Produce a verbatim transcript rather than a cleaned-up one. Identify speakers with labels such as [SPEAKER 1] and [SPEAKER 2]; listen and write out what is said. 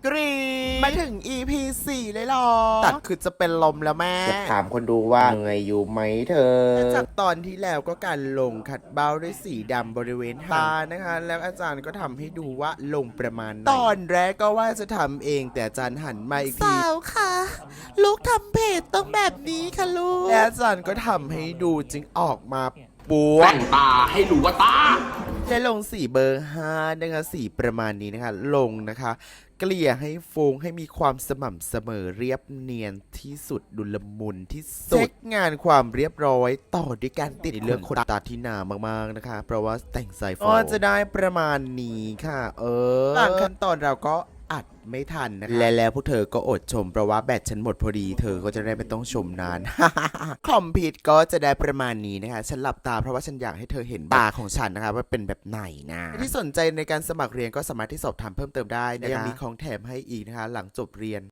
[SPEAKER 1] กรีดมาถึง อี พี สี่เลยหรอตัดคือจะเป็นลมแล้วแม่
[SPEAKER 2] จะถามคนดูว่าเหนื่อยอยู่ไหมเธอ
[SPEAKER 1] จากตอนที่แล้วก็การลงขัดเบ้าด้วยสีดำบริเวณตานะคะแล้วอาจารย์ก็ทำให้ดูว่าลงประมาณตอนแรกก็ว่าจะทำเองแต่อาจารย์หันมาอีกทีสาวค่ะลูกทำเพจต้องแบบนี้ค่ะลูกและอาจารย์ก็ทำให้ดูจึงออกมาปัว
[SPEAKER 3] แต่งตาให้รู้ว่าตา
[SPEAKER 1] และลงสีเบอร์ห้านะคะสีประมาณนี้นะคะลงนะคะเกลี่ยให้ฟูงให้มีความสม่ำเสมอเรียบเนียนที่สุดดุลมุนที่สุดเช็คงานความเรียบร้อยต่อด้วยการติดเลือกขนตาที่หนามากๆนะคะเพราะว่าแต่งสายฟอจะได้ประมาณนี้ค่ะเออหลังขั้นตอนเราก็อัดไม่ทันนะคะและแล้วพวกเธอก็อดชมเพราะว่าแบตฉันหมดพอดีเธอก็จะได้ไม่ต้องชมนาน คอมพิวต์ก็จะได้ประมาณนี้นะคะฉันหลับตาเพราะว่าฉันอยากให้เธอเห็นตาของฉันนะคะว่าเป็นแบบไหนนะที่สนใจในการสมัครเรียนก็สามารถที่สอบถามเพิ่มเติมได้นะยังมีของแถมให้อีกนะคะหลังจบเรียน